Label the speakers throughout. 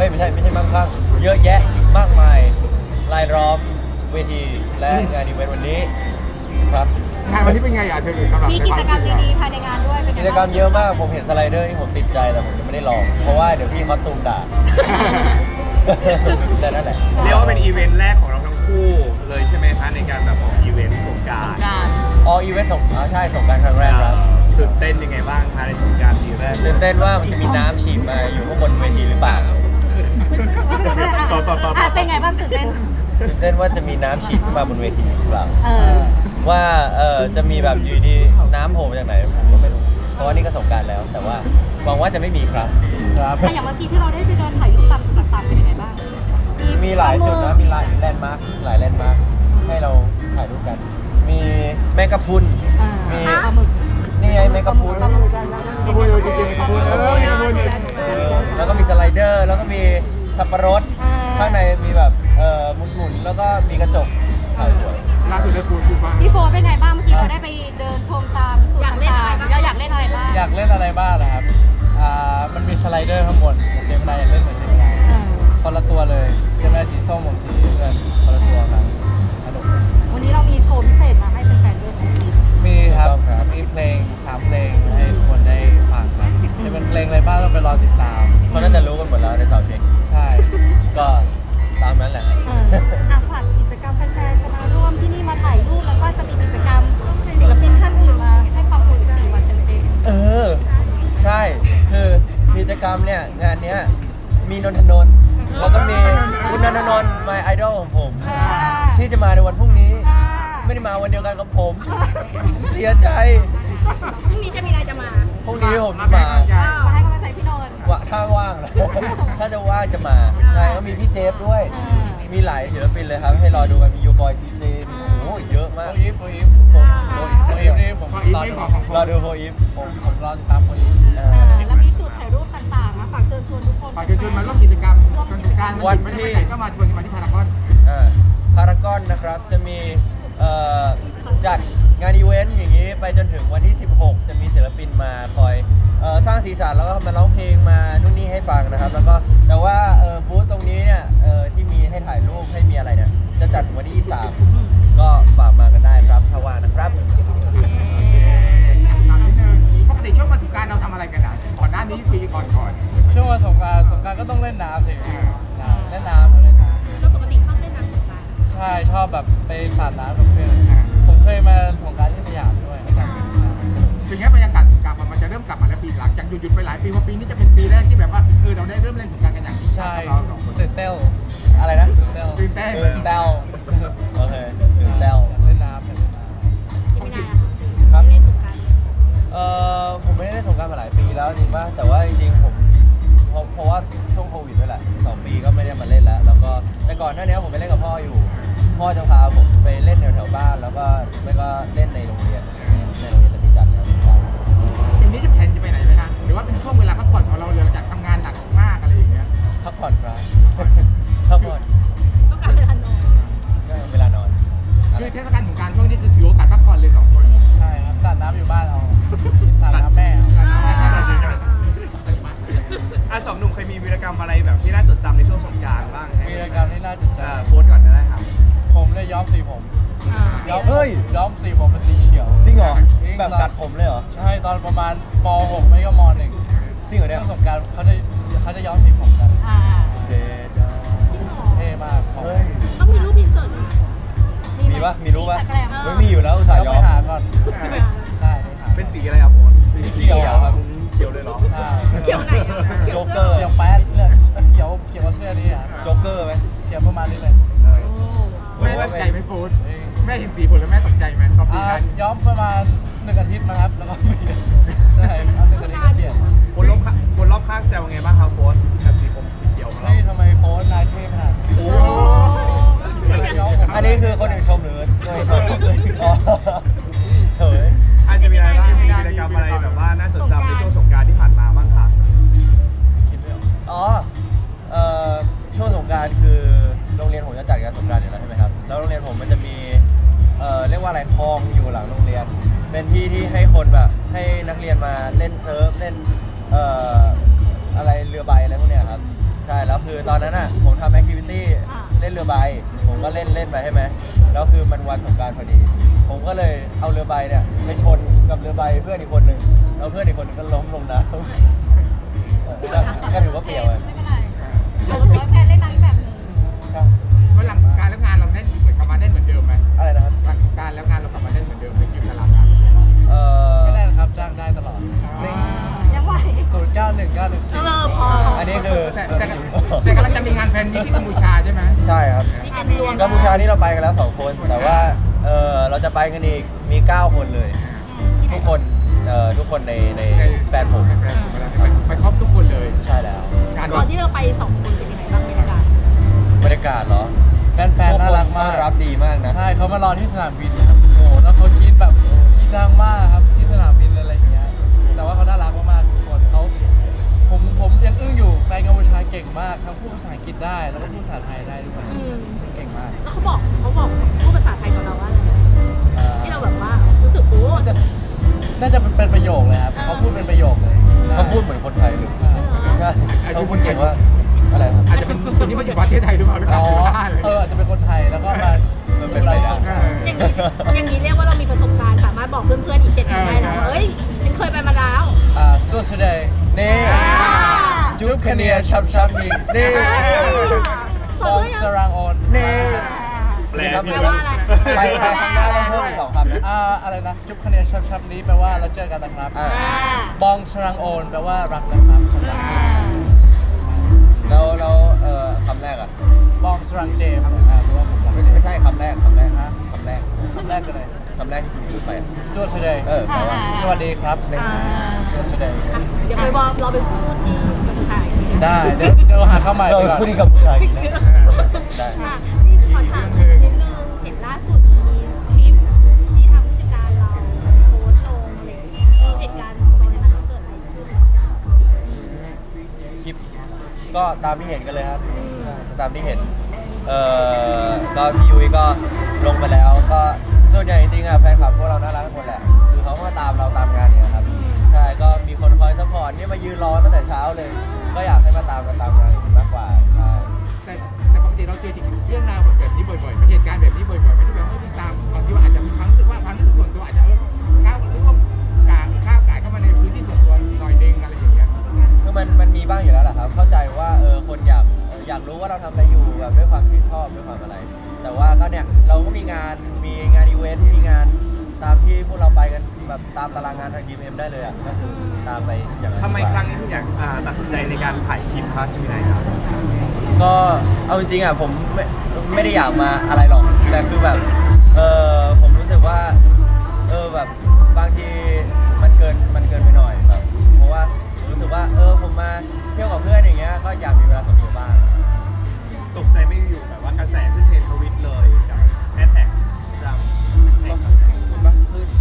Speaker 1: ไม่ใช่มั่งคั่งเยอะแยะมากมายรายล้อมเวทีและงานอีเวนต์วันนี้ครับ
Speaker 2: งานวันนี้เป็นไงอ่ะเธอสำหรับ
Speaker 3: มีกิจกรรมดีๆภายในงานด้วยเป็นไง
Speaker 1: กิจกรรมเยอะมากผมเห็นสไลเดอร์ที่ผมติดใจแต่ผมยังไม่ได้ลองเพราะว่าเดี๋ยวพี่เขาตูมด่า แต่นั่นแหละ
Speaker 4: เรียกว่าเป็นอีเวนต์แรกของเราทั้งคู่เลยใช่ไหมคะในการแบบออกอีเวนต์สงกรานต์
Speaker 1: อ๋ออีเวนต์ใช่สงกรานต์ครั้งแรกครับ
Speaker 4: ตื่นเต้นยังไงบ้างคะในสงกรานต์ปีแรก
Speaker 1: ตื่นเต้นว่ามันจะมีน้ำฉีดมาอยู่ข้างบนเวทีหรือเปล่า
Speaker 3: เป็นไงบ้างตื่นเต้น
Speaker 1: ตื่นเต้นว่าจะมีน้ำฉีดขึ้นมาบนเวทีหรือเปล่า
Speaker 3: เออ
Speaker 1: ว่าจะมีแบบอยู่ดีน้ำโผล่มาจากไหนผมก็ไม่รู้เพราะว่านี่ก็สงกรานต์แล้ว แต่ว่าหวังว่าจะไม่มีครับครับ
Speaker 3: แต่อย่างเมื่อกี้ที่เราได้ไปเดินถ่ายรูปตามจุดต่างๆเป็นยังไงบ้าง
Speaker 1: มีหลายจุดนะมีหลายแลนด์มาร์คหลายแลนด์มาร์คให้เราถ่ายรูปกัน มีแมงกะพรุนมี
Speaker 3: ปลาหมึก
Speaker 1: นี่ไงแมงกะพรุน
Speaker 2: ขบวนจริงๆขบวนขบวนขบวน
Speaker 1: แล้วก็มีสไลเดอร์แล้วก็มีสับปะรดข้างในมีแบบหมุนๆแล้วก็มีกระจกถ่ายสวย
Speaker 2: ล่าสุดได้พูดบ้าง
Speaker 3: พี่โฟเป็นไงบ้างเมื่อกี้เราได้ไปเดินชมตามจุดต่างๆเราอยากเล่นอะไรบ้าง
Speaker 5: อยากเล่นอะไรบ้างนะครับ มันมีสไลเดอร์ข้างบนเจมินายอยากเล่นเหมือนเจมินายคนละตัวเลยเจมินายสีส้มผมสีเงินคนละตัวกันสนุก
Speaker 3: วันนี้เรามีโชว์พิเศษมาให้แฟนๆด้วยใช่ไหม
Speaker 5: มีครับ มีเพลง3เพลงให้ทุกคนได้ฟังครับจะเป็นเพลงอะไรบ้างต้องไปรอติดตาม
Speaker 1: เขาน่าจะรู้กันหมดแล้วในสาวเช็ค
Speaker 5: ใช่
Speaker 1: ก็ตามนั้นแหละ
Speaker 3: ฝากกิจกรรมแฟนๆจะมาร่วมที่นี่มาถ่ายรูปแล้วก็จะมีกิจกรรมศิลปินท่านอื่นมาให้ความรู้4 วันเต็ม
Speaker 1: ใช่คือกิจกรรมเนี่ยงานเนี้ยมีนนทนนท์แล้วก็มีคุณนนทนนท์ my idol ของผม ที่จะมาในวันพรุ่งนี้ ไม่ได้มาวันเดียวกันกับผม เสียใจ
Speaker 3: พรุ่งนี้จะมีอะไรจะมา
Speaker 1: พรุ่งนี้ผม
Speaker 2: มา
Speaker 1: จะ
Speaker 2: แบ่
Speaker 1: มา
Speaker 2: งกำลังใจ
Speaker 3: มาให้กำลังใจพี่นนท์
Speaker 1: ถ้าว่างนะ ถ้าจะว่างจะมาใช่ก็มีพี่เจฟด้วย มีหลายศิลปินเลยครับ ให้รอดูกันมียูบอยพีเจโอ้เยอะมาก
Speaker 5: โฟอีฟ
Speaker 1: ผม
Speaker 5: โฟอีฟนี่ผม
Speaker 2: ขออีก
Speaker 5: รอ
Speaker 2: ไม่
Speaker 5: ดู
Speaker 2: บอกของ
Speaker 1: รอดูโฟอีฟ
Speaker 5: ผมรอติดตามคนอีฟ
Speaker 3: แล้วมีจุดถ่ายรูปต่างๆนะฝากเชิญชวนทุกคน
Speaker 2: ฝากเชิญชวนมาร่วมกิจกรรมสงกรานต์วันไม่ได้ไปไหนก็มาชวนมาที่พารากอน
Speaker 1: พารากอนนะครับจะมีจัดงานอีเวนต์อย่างนี้ไปจนถึงวันที่ 16 จะมีศิลปินมาคอยสร้างสีสันแล้วก็มาร้องเพลงมานู่นนี่ให้ฟังนะครับ แล้วก็แต่ว่าบูธตรงนี้เนี่ยที่มีให้ถ่ายรูปให้มีอะไรเนี่ยจะจัดวันที่ 23 ก็ฝากมากันได้ครับถ้าว่างนะครับ
Speaker 2: ถามนิดนึงปกติช่วงวันสงกรานต์เราทำอะไรกันอ่ะก่อนหน้านี้ปีก่อน
Speaker 5: ช่วงวันสงกรานต์ก็ต้องเล่นน้ำสิเล่นน้ำเล่นน้ำ
Speaker 3: ก็ปกติชอบเล่นน้ำสงกรานต์
Speaker 5: ใช่ชอบแบบไปสาดน้ำกับเพื่อนผมเคยมาสงกรานต์ที่สยามด้วย
Speaker 2: ถึงแม้บรรยากาศสงกรานต์มันจะเริ่มกลับมาแล้วปีหลังจากหยุดไปหลายปีเพราะปีนี้จะเป็นปีแรกที่แบบว่าเราได้เริ่มเล่นสงกรานต์กันอย่างจริงจัง
Speaker 5: ใช่
Speaker 2: เราสองคน
Speaker 5: ตื่นเต้น
Speaker 1: อะไรนะ
Speaker 5: ตื่นเต้น
Speaker 2: ตื่นเต้น
Speaker 1: ตื่นเต้าโอเคตื่นเต้า
Speaker 5: อยากเล่นน้ำอยากเล่นน้ำ
Speaker 3: ไม่ได้
Speaker 1: ครับ
Speaker 3: เล่นสงกรานต์
Speaker 1: ผมไม่ได้เล่นสงกรานต์มาหลายปีแล้วจริงป่ะแต่ว่าจริงๆผมเพราะว่าช่วงโควิดด้วยแหละ2 ปีก็ไม่ได้มาเล่นแล้วแล้วก็แต่ก่อนหน้านี้ผมไปเล่นกับพ่ออยู่ พ่อจะพาผมไปเล่นแถวๆบ้านแล้วก็ไม่ก็เล่นในโรงเรียนจะมีจัดสงกรานต์
Speaker 2: ปีนี้จะแผนจะไปไหนไหมคะหรือว่าเป็นช่วงเวลาพักผ่อนของเราหลังจากทำงานหนักมากอะไรอย่างเงี้ย
Speaker 1: พักผ่อนครับพักผ่อน
Speaker 3: ต้องการเวลานอน
Speaker 1: เวลานอน
Speaker 2: คือเทศกาลสงกรานต์ช่วงนี้จะถือโอกาสพักผ่อนเลย2 คน
Speaker 5: ใช่ครับสาดน้ำอยู่บ้านเอาสาดน้ำแม่
Speaker 4: สองหนุ่มเคยมีวีรกรรมอะไรแบบที่น่าจดจำในช่วงสงกรานต์บ้าง
Speaker 5: วีรกรรมที่น่าจดจ
Speaker 4: โพสต์ก่อนก็ได้ครับ
Speaker 5: ำผมเลยย้อมสีผมย้อมสีผมเป็นสีเขียว
Speaker 1: จริงเหรอแบบกัดผมเลยเหรอ
Speaker 5: ใช่ตอนประมาณป .6 ไม่ก็ม .1
Speaker 1: จริงเหรอเนี่ย
Speaker 5: ช่วงสงกรารเขาจะย้อมสีผมกัน
Speaker 1: เด็ด
Speaker 5: เท่มากผม
Speaker 1: เฮ้ย
Speaker 3: ต้องมีรูปอินเสิร์ต
Speaker 1: มีปะมีรู้ปะไม่มีอยู่แล้วอุตส่าห์
Speaker 5: เดี๋
Speaker 1: ย
Speaker 5: ยว
Speaker 1: อ
Speaker 5: ไป
Speaker 1: ม
Speaker 5: หาก่อนได้หา
Speaker 4: เป็นสีอะไรครับโพสต์
Speaker 5: สีเขียวครับ
Speaker 4: เขียวเลยเหรอ
Speaker 5: ใช่
Speaker 3: เกี่ยวไหน
Speaker 1: โจ๊กเกอร์
Speaker 5: เขียวแป๊ดเลยเขียวเสื้อนี่อ่ะ
Speaker 1: โจ๊กเกอร์ไหม
Speaker 5: เขียวประมาณนี้เลย
Speaker 2: แม่ตกใจไหมโฟนแม่เห็นสีผมแล้วแม่ตกใจไหมตอนปีนั้น
Speaker 5: ย้อมประมาณ1 อาทิตย์มาครับแล้วก็เปลี่ยนใช่1 อาทิตย์
Speaker 1: คือตอนนั้นอ่ะผมทำแอคทิวิตี้เล่นเรือใบผมก็เล่นไปใช่ไหมแล้วคือมันวันสงกรานต์พอดี ผมก็เลยเอาเรือใบเนี่ยไปชนกับเรือใบเพื่อนอีกคนหนึ่งแล้วเพื่อนอีกคนหนึงก็ล้มลงน้ำก็ถือว่าเปรียวเลย
Speaker 3: ไม่เป็นไรเราถือว่าแฟนเล่นน้ำแบบนึง
Speaker 1: ครับ
Speaker 2: เพราะหลังการแล้วงานเราแน่นเหมือนกลับมาแน่นเหมือนเดิมไหม
Speaker 5: อะไรนะครับ
Speaker 2: หลังการแล้วงานเรากลับมาแน่นเหมือนเดิมในคิวตารางงาน
Speaker 5: ไม่แน่นะครับจ้างได้ตลอด
Speaker 3: ยังไหว
Speaker 5: 091914
Speaker 3: พอ
Speaker 1: อันนี้คือ
Speaker 2: แต่กำลังจะมีงานแฟนมีตที่กัมพูชาใช่ไหม
Speaker 1: ใช่ครับ
Speaker 3: มีการรวม
Speaker 1: กัมพูชานี่เราไปกันแล้ว2 คน แต่ว่าเราจะไปกันอีกมี 9 คนเลย ทุกคนในแฟนผม
Speaker 2: แฟนผมไปครบทุกคนเลย
Speaker 1: ใช่แล้ว
Speaker 2: การ
Speaker 3: ตอนที่เราไป2 คนเป็นยังไงบ้างบรรยากาศ
Speaker 1: บรรยากาศเหรอ
Speaker 5: แฟนๆน่ารักมาก
Speaker 1: ต้อนรับดีมากนะ
Speaker 5: ใช่เขามารอที่สนามบินนะครับโอ้โหแล้วเขาคิดแบบคิดดังมากครับที่สนามบินอะไรอย่างเงี้ยแต่ว่าเขาน่ารักมากๆทุกคนผมยังอึ้งอยู่แฟนกัมพูชาเก่งมากทั้งพูดภาษาอังกฤษได้แล้วก็พูดภาษาไทยได้ด้วยเก่งมาก
Speaker 3: แล้วเขาบอกพูดภาษาไทยกับเราว่าอะไรที่เราแบบว่ารู้สึกโอ้
Speaker 5: น่าจะเป็นประโยคเลยครับเขาพูดเป็นประโยคเลย
Speaker 1: เขาพูดเหมือนคนไทยเลย
Speaker 5: ใช่
Speaker 1: ใช่เขาพูดเก่งว่าอะไรครับ
Speaker 2: อาจจะเป็นคนที่มาอยู่ประเทศไทยหรือเปล่าหรือเป
Speaker 5: อ๋
Speaker 2: ล่า
Speaker 5: ออาจจะเป็นคนไทยแล้วก็มา
Speaker 1: มันเป็นไปได้
Speaker 3: อย่างนี้เรียกว่าเรามีประสบการณ์สามารถบอกเพื่อนๆอีก7คนได้แล้วเอ้ยฉันเคยไปมาแล้ว
Speaker 5: สู้สุดเลย
Speaker 1: นี่จุ๊บคเนียชับนี่นี่
Speaker 5: บองสรังโอน
Speaker 1: นี่
Speaker 4: แปล
Speaker 1: ครับ
Speaker 4: ผิ
Speaker 3: แป
Speaker 4: ด
Speaker 3: ลว่าอะไร
Speaker 1: ไปครั้งหน้าต้องเพิ่มอีก2 คำนะ
Speaker 5: อะไรนะจุ๊บคะแนนชับนี้แปลว่าเราเจอกันนะครับ
Speaker 1: อ่า
Speaker 5: บองสรังโอนแปลว่ารักนะครับ
Speaker 1: แล้วคำแรกอ่ะ
Speaker 5: บองสรังเจมแปลว่าผมรัก
Speaker 1: ไม่ใช่คำแรกคำแรก
Speaker 5: คำแรกคืออะไร
Speaker 1: คำแรกที่คุณพูดไปอะ
Speaker 5: สู้สุดเลย
Speaker 1: แปลว่า
Speaker 5: สวัสดีครับสู้สุดเลย
Speaker 3: เดี๋ยวไปบอกเราไปพูดที่เมืองไทย
Speaker 5: ได้เดี๋ยวหาเข้าใหม่
Speaker 1: เรา
Speaker 5: ดีกว่า
Speaker 1: พูดดีกับผู้ชายอีกแล้วได้
Speaker 3: ค่ะพี่ขอถามนิดนึงเห็นล่าสุดมีคลิปที่ทางผู้จัดการเราโพสต์ลงอะไรอย่างเงี้ยเหตุการณ์เป็นยังไงเกิดอะไรขึ้น
Speaker 1: คลิปก็ตามที่เห็นกันเลยครับตามที่เห็นก็พี่ยุ้ยก็ลงไปแล้วก็ส่วนใหญ่จริงๆอ่ะแฟนคลับพวกเราน่ารักทุกคนแหละคือเขามาตามเราตามงานเนี่ยครับใช่ก็มีคนคอยซัพพอร์ตนี่มายืนรอตั้งแต่เช้าเลย ก็อยากให้มาตามกันตามงานมากกว่าใช่
Speaker 2: แต่ปกติเราเจอเรื่องราวแบบนี้บ่อยๆเหตุการณ์แบบนี้บ่อยๆไม่ได้แบบว่าตามบางทีว่าอาจจะมีความรู้สึกว่าความรู้สึกส่วนตัวอาจจะก้าวร่วมก้าวไก่เข้ามาในพื้นที่ส่วนตัวหน่อยนึงอะไรอย่างเงี้ย
Speaker 1: คือมันมีบ้างอยู่แล้วแหละครับเข้าใจว่าคนอยากรู้ว่าเราทำอะไรอยู่แบบด้วยความชื่นชอบด้วยความอะไร แต่ว่าก็เนี่ยเราก็มีงานอีเวนต์มีงานตามที่พวกเราไปกันแบบตามตารางงานทางยิมเอ็มได้เลยอ่ะก็คือตามไปอย่างนั้น
Speaker 4: ทำไม
Speaker 1: ดีกว่า
Speaker 4: ครั้งนี้ถึงอยากตัดสินใจในการถ่ายคลิปครับชื่อไหนครับ
Speaker 1: ก็เอาจริงๆอ่ะผมไม่ได้อยากมาอะไรหรอกแต่คือแบบผมรู้สึกว่าแบบบางทีมันเกินไปหน่อยแบบเพราะว่าผมรู้สึกว่าผมมาเที่ยวกับเพื่อนอย่างเงี้ยก็อยากมีเวลาส่วนตัวบ้าง
Speaker 4: ตกใจไม่อยู่แบบว่ากระแสขึ้นเทรนด์ทวิตเลยกับแฮชแท็กจำ
Speaker 1: ก็คุณปะขึ้น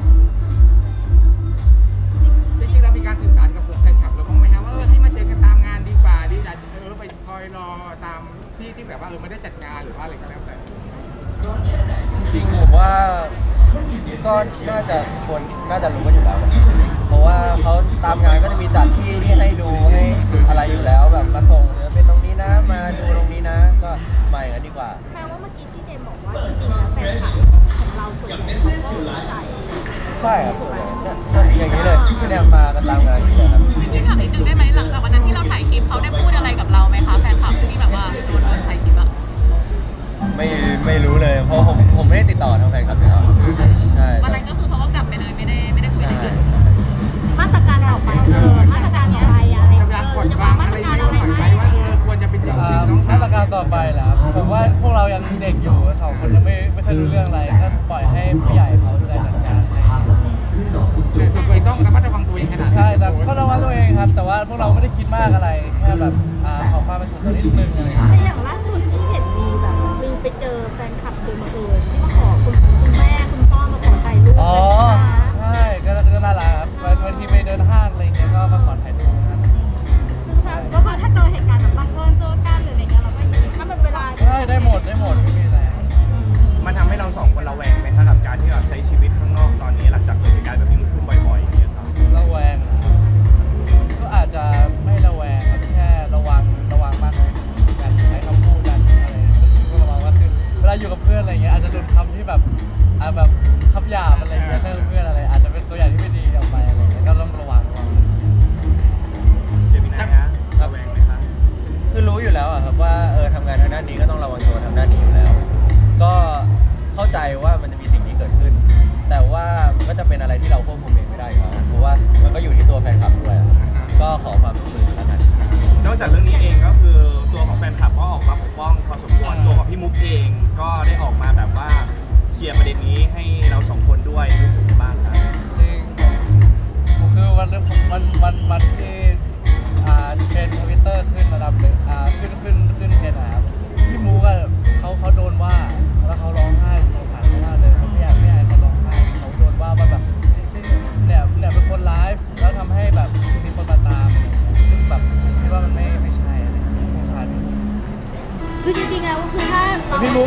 Speaker 2: จริงๆเรามีการสื่อสารกับแฟนคลับเราบ้างไหมครับว่าให้มาเจอกันตามงานดีกว่าดีจะไปคอยรอตามที่แบบว่าไม่ได้จัดงานหรือว่าอะไรก็แล้วแต่
Speaker 1: จริงๆผมว่าก็น่าจะรู้กันอยู่แล้วนะเพราะว่าเขาตามงานก็จะมีจัดที่ให้ดูให้อะไรอยู่แล้วแบบมาส่งเป็นตรงนี้นะมาดูตรงนี้นะก็มาอย่างนั้นดีกว่า
Speaker 3: แปลว่าเมื่อกี้ที่เจมบอกว่าจริงๆแล้วแฟนคลับของเราส่วนใหญ่เขาก็เข้าใจ
Speaker 1: ใช่ครับอย่างนี้เลยเนี่ยมากันตามงานอยู่เลยครับ
Speaker 6: จริงๆถามนิดนึงได้ไหมหลังจากวันนั้นที่เราถ่ายคลิปเขาได้พูดอะไรกับเราไหมคะแฟนคลับที่แบบว่าโดนถ่ายคลิปอะ
Speaker 1: ไม่รู้เลยเพราะผมไม่ได้ติดต่อทางแฟนคลับนะครับใช่
Speaker 6: วันนั้นก็คือเขาก็กลับไปเลยไม่ได้คุยอะไร
Speaker 1: ใช่
Speaker 6: กัน
Speaker 3: มาตรการต่อไปมาตรการต่อไปอะไร
Speaker 2: กำลังกด
Speaker 3: จะ
Speaker 2: วาง
Speaker 3: มา
Speaker 2: อะไร
Speaker 3: ตรการ
Speaker 2: ไว้
Speaker 3: อะไร
Speaker 2: หน่อย
Speaker 3: ไห
Speaker 2: ไห
Speaker 3: ม
Speaker 2: มว่าควรจะเป็นอย่างจริงน้องสา
Speaker 5: มาตรการต่อไปแหละครับผมว่าพวกเรายังเด็กอยู่2 คนยังไม่ค่อยรู้เรื่องอะไรก็ปล่อยให้ผู้ใหญ่เขาดูแลจัดการให้
Speaker 2: แต่ส่วนตัวต้องระมัดระวังตัวเองขนาด
Speaker 5: ใช่แต่ก็ระวังตัวเองครับ แต่ว่าพวกเราไม่ได้คิดมากอะไรแค่แบบขอความเป็นส่วนตัวนิดนึงอะไรอย่าง
Speaker 3: แต่
Speaker 5: เงี้ย
Speaker 3: อย่างล่าสุดที่เห็นมีแบบมีไปเจอแฟนคลับโดยบังเอิญที่มาขอคุณแม่คุณพ่อมาขอถ่ายรูป
Speaker 5: อ๋อ
Speaker 3: นะ
Speaker 5: ใช่ก็น่ารักครับบางทีไปเดินห้างอะไรอย่างเงี้ยก็มาขอถ่ายรูปกัน
Speaker 3: ก็คือถ้าเจอเหตุการณ์แบบบังเอิญเจอกันหรืออะไรเงี้ยเราก็ถ้าเป็นเวลา
Speaker 5: ได้หมดไม่มีอะไร
Speaker 4: มันทำให้เรา2 คนระแวงไหมครับกับการที่เราใช้ชีวิตข้างนอกตอนนี้หลังจากเหตุการณ์แบบนี้มันขึ้นบ่อยๆอย่างเงี้ยครับ
Speaker 5: ระแวงนะก็อาจจะไม่ระแวงครับแค่ระวังมากขึ้น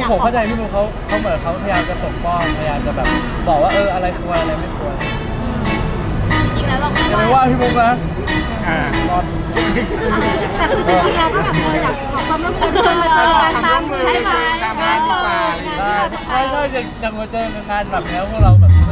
Speaker 5: ผมเข้าใจพี่มุกเขาเหมือนเขาพยายามจะปกป้องพยายามจะแบบบอกว่าอะไรควรอะไรไม่ควร
Speaker 3: จริงๆแล้วเราก็
Speaker 5: อย่าไปว่าพี่มุกนะ
Speaker 4: อ่า
Speaker 3: แต่คือจริงๆเราก็แบบอยากขอความร่วมมือมาเจอกันตามให้ไหม
Speaker 2: ตามงานดีกว่าอะไรอย่างเงี้ย
Speaker 5: ได้ใช่อย่างมาเจองานแบบนี้พวกเราแบบ